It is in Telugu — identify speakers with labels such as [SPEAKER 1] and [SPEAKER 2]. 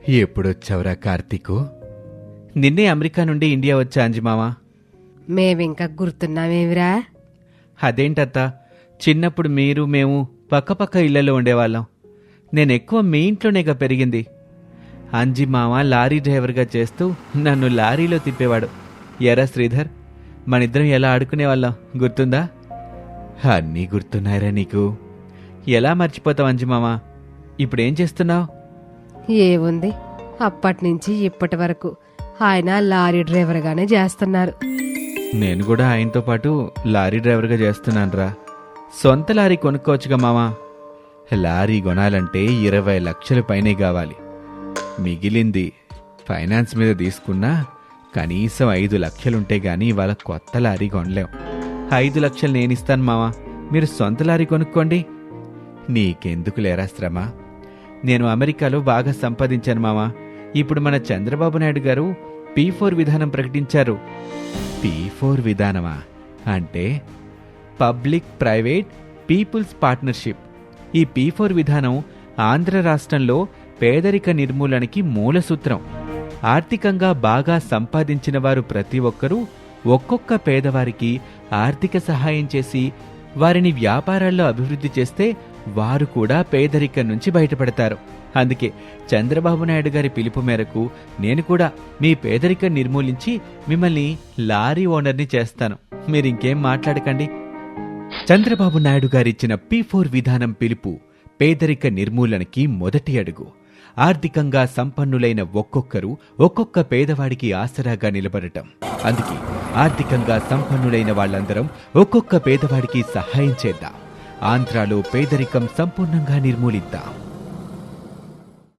[SPEAKER 1] ఎప్పుడొచ్చావురా కార్తీకు? నిన్నే అమెరికా నుండి ఇండియా వచ్చా అంజిమావా.
[SPEAKER 2] మేమింకా గుర్తున్నామేమిరా?
[SPEAKER 1] అదేంటత్తా, చిన్నప్పుడు మీరు మేము పక్కపక్క ఇళ్లలో ఉండేవాళ్ళం. నేనెక్కువ మీ ఇంట్లోనేగా పెరిగింది. అంజిమామ లారీ డ్రైవర్గా చేస్తూ నన్ను లారీలో తిప్పేవాడు. ఎరా శ్రీధర్, మనిద్దరం ఎలా ఆడుకునేవాళ్ళం గుర్తుందా? అన్నీ గుర్తున్నాయిరా నీకు. ఎలా మర్చిపోతావు అంజిమామ? ఇప్పుడేం చేస్తున్నావు?
[SPEAKER 2] ఏముంది, అప్పటినుంచి ఇప్పటి వరకు ఆయన లారీ డ్రైవర్గానే చేస్తున్నారు.
[SPEAKER 1] నేను కూడా ఆయనతో పాటు లారీ డ్రైవర్గా చేస్తున్నానురా. సొంత లారీ కొనుక్కోవచ్చుగా మామా. లారీ కొనాలంటే 20 లక్షల పైనే కావాలి. మిగిలింది ఫైనాన్స్ మీద తీసుకున్నా కనీసం 5 లక్షలుంటే గానీ ఇవాళ కొత్త లారీ కొనలేం. 5 లక్షలు నేనిస్తాను మామా, మీరు సొంత లారీ కొనుక్కోండి. నీకెందుకు లేరా శ్రమ? నేను అమెరికాలో బాగా సంపాదించాను మామా. ఇప్పుడు మన చంద్రబాబు నాయుడు గారు P4 విధానం ప్రకటించారు. P4 విధానమా? అంటే పబ్లిక్ ప్రైవేట్ పీపుల్స్ పార్ట్నర్షిప్. ఈ P4 విధానం ఆంధ్ర రాష్ట్రంలో పేదరిక నిర్మూలనకి మూల సూత్రం. ఆర్థికంగా బాగా సంపాదించిన వారు ప్రతి ఒక్కరూ ఒక్కొక్క పేదవారికి ఆర్థిక సహాయం చేసి వారిని వ్యాపారాల్లో అభివృద్ధి చేస్తే వారు కూడా పేదరికం నుంచి బయటపడతారు. అందుకే చంద్రబాబు నాయుడు గారి పిలుపు మేరకు నేను కూడా మీ పేదరికం నిర్మూలించి మిమ్మల్ని లారీ ఓనర్ని చేస్తాను. మీరింకేం మాట్లాడకండి. చంద్రబాబు నాయుడు గారిచ్చిన P4 విధానం పిలుపు పేదరిక నిర్మూలనకి మొదటి అడుగు. ఆర్థికంగా సంపన్నులైన ఒక్కొక్కరు ఒక్కొక్క పేదవాడికి ఆసరాగా నిలబడటం. అందుకే ఆర్థికంగా సంపన్నులైన వాళ్ళందరం ఒక్కొక్క పేదవాడికి సహాయం చేద్దాం. ఆంధ్రాలో పేదరికం సంపూర్ణంగా నిర్మూలిద్దాం.